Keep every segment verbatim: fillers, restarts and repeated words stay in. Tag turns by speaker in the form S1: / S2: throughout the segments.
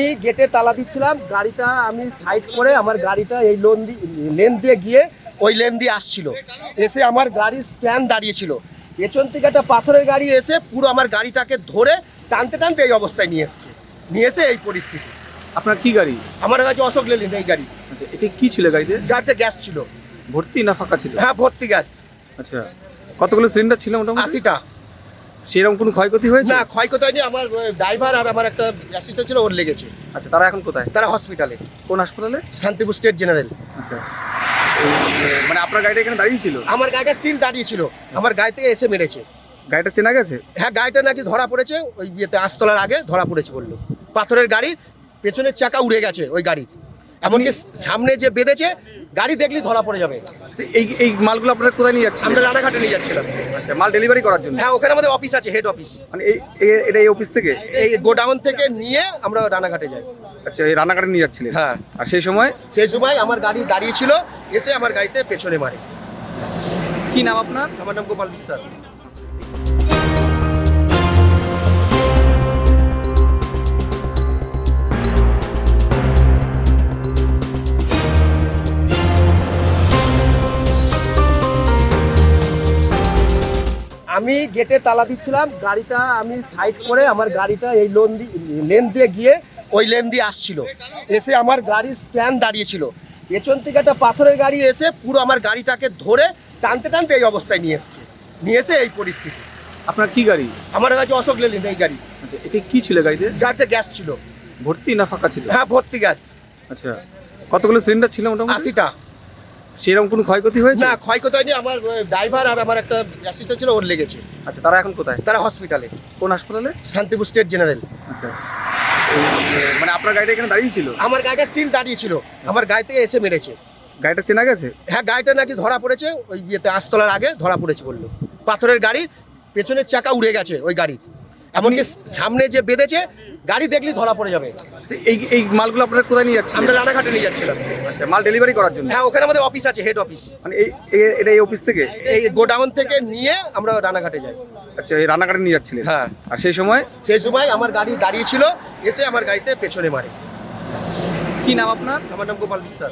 S1: আমি গেটে তালা দিচ্ছিলাম, গাড়িটা আমি সাইড করে আমার গাড়িটা এই লোন লেন দিয়ে গিয়ে ওই লেন দিয়ে আসছিল, এসে আমার গাড়ি স্ট্যান্ড দাঁড়িয়েছিল, পেছন থেকে একটা পাথরের গাড়ি এসে পুরো আমার গাড়িটাকে ধরে টানতে টানতে এই অবস্থায় নিয়ে এসছে, নিয়ে এসে এই পরিস্থিতি।
S2: আপনার কি গাড়ি?
S1: আমার কাছে অশোক লেলিন এই গাড়ি।
S2: আচ্ছা, এটা কি ছিল গাড়িতে?
S1: গাড়িতে গ্যাস ছিল।
S2: ভর্তি না ফাঁকা ছিল?
S1: হ্যাঁ ভর্তি গ্যাস।
S2: আচ্ছা, কতগুলো সিলিন্ডার ছিল মোটামুটি?
S1: আশিটা।
S2: সেরকম কোনো ক্ষয়ক্ষতি হয়েছে?
S1: না ক্ষয়ক্ষতি হয়নি, আমার ড্রাইভার আর আমার একটা অ্যাসিস্ট্যান্ট ছিল, ওর লেগেছে।
S2: আচ্ছা, তারা এখন কোথায়?
S1: তারা হসপিটালে।
S2: কোন হাসপাতালে?
S1: Shantipur state general.
S2: আচ্ছা, মানে আপনার গাড়িটা এখানে দাঁড়িয়ে ছিল?
S1: আমার গাড়িটা স্টিল দাঁড়িয়ে ছিল, আমার গাড়ি থেকে এসে মেরেছে।
S2: গাড়িটা চেনা গেছে?
S1: হ্যাঁ গাড়িটা নাকি ধরা পড়েছে ওই ইয়েতে, আস্তলার আগে ধরা পড়েছে বললো। পাথরের গাড়ি, পেছনের চাকা উড়ে গেছে ওই গাড়ির, এমনকি সামনে যে বেঁধেছে গাড়ি দেখলেই ধরা পড়ে যাবে।
S2: এই এই মালগুলো আপনারা কোথায় নিয়ে যাচ্ছেন?
S1: আমরা রানাঘাটে নিয়ে যাচ্ছিলাম।
S2: আচ্ছা, মাল ডেলিভারি করার জন্য?
S1: হ্যাঁ ওখানে আমাদের অফিস আছে, হেড অফিস।
S2: মানে এই এই- এটা এই অফিস থেকে?
S1: এই গোডাউন থেকে নিয়ে আমরা রানাঘাটে যাই।
S2: আচ্ছা, এই রান্নাঘাটে নিয়ে যাচ্ছিলেন?
S1: হ্যাঁ।
S2: আর সেই সময়?
S1: সেই সময় আমার গাড়ি দাঁড়িয়ে ছিল, এসে আমার গাড়িতে পেছনে মারে।
S2: কি নাম আপনার?
S1: আমার নাম গোপাল বিশ্বাস। আমি গেটে তালা দিচ্ছিলাম, গাড়িটা আমি সাইড করে আমার গাড়িটা এই লোন লেন দিয়ে গিয়ে ওই লেন দিয়ে আসছিল, এসে আমার গাড়ি স্ট্যান্ড দাঁড়িয়েছিল, পেছন থেকে একটা পাথরের গাড়ি এসে পুরো আমার গাড়িটাকে ধরে টানতে টানতে এই অবস্থায় নিয়ে এসছে, নিয়ে এসে এই পরিস্থিতি।
S2: আপনার কি গাড়ি?
S1: আমার কাছে অশোক লেলিন এই গাড়ি।
S2: আচ্ছা, এটা কি ছিল গাড়িতে?
S1: গাড়িতে গ্যাস ছিল।
S2: ভর্তি না ফাঁকা ছিল?
S1: হ্যাঁ ভর্তি গ্যাস।
S2: আচ্ছা, কতগুলো সিলিন্ডার ছিল মোটামুটি?
S1: আশিটা।
S2: সেরকম কোনো ক্ষয়ক্ষতি হয়েছে?
S1: না ক্ষয়ক্ষতি হয়নি, আমার ড্রাইভার আর আমার একটা অ্যাসিস্ট্যান্ট ছিল, ওর লেগেছে।
S2: আচ্ছা, তারা এখন কোথায়?
S1: তারা হসপিটালে।
S2: কোন হাসপাতালে?
S1: Shantipur state general.
S2: আচ্ছা, মানে আপনার গাড়িটা এখানে দাঁড়িয়ে ছিল?
S1: আমার গাড়িটা স্টিল দাঁড়িয়ে ছিল, আমার গাড়ি থেকে এসে মেরেছে।
S2: গাড়িটা চেনা গেছে?
S1: হ্যাঁ গাড়িটা নাকি ধরা পড়েছে ওই ইয়েতে, আস্তলার আগে ধরা পড়েছে বললো। পাথরের গাড়ি, পেছনের চাকা উড়ে গেছে ওই গাড়ির, এমনকি সামনে যে বেঁধেছে গাড়ি দেখলেই ধরা পড়ে যাবে।
S2: এই এই মালগুলো আপনারা কোথায় নিয়ে যাচ্ছেন?
S1: আমরা রানাঘাটে নিয়ে যাচ্ছিলাম।
S2: আচ্ছা, মাল ডেলিভারি করার জন্য?
S1: হ্যাঁ ওখানে আমাদের অফিস আছে, হেড অফিস।
S2: মানে এই এই- এটা এই অফিস থেকে?
S1: এই গোডাউন থেকে নিয়ে আমরা রানাঘাটে যাই।
S2: আচ্ছা, এই রান্নাঘাটে নিয়ে যাচ্ছিলেন?
S1: হ্যাঁ।
S2: আর সেই সময়?
S1: সেই সময় আমার গাড়ি দাঁড়িয়ে ছিল, এসে আমার গাড়িতে পেছনে মারে।
S2: কি নাম আপনার?
S1: আমার নাম গোপাল বিশ্বাস।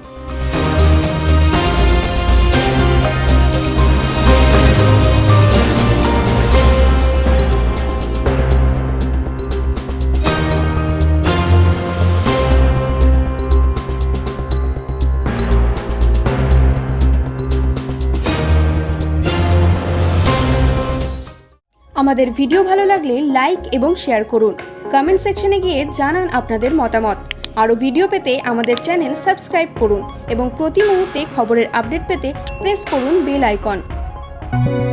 S3: আমাদের ভিডিও ভালো লাগলে লাইক এবং শেয়ার করুন। কমেন্ট সেকশনে গিয়ে জানান আপনাদের মতামত। আরও ভিডিও পেতে আমাদের চ্যানেল সাবস্ক্রাইব করুন এবং প্রতি মুহূর্তে খবরের আপডেট পেতে প্রেস করুন বেল আইকন।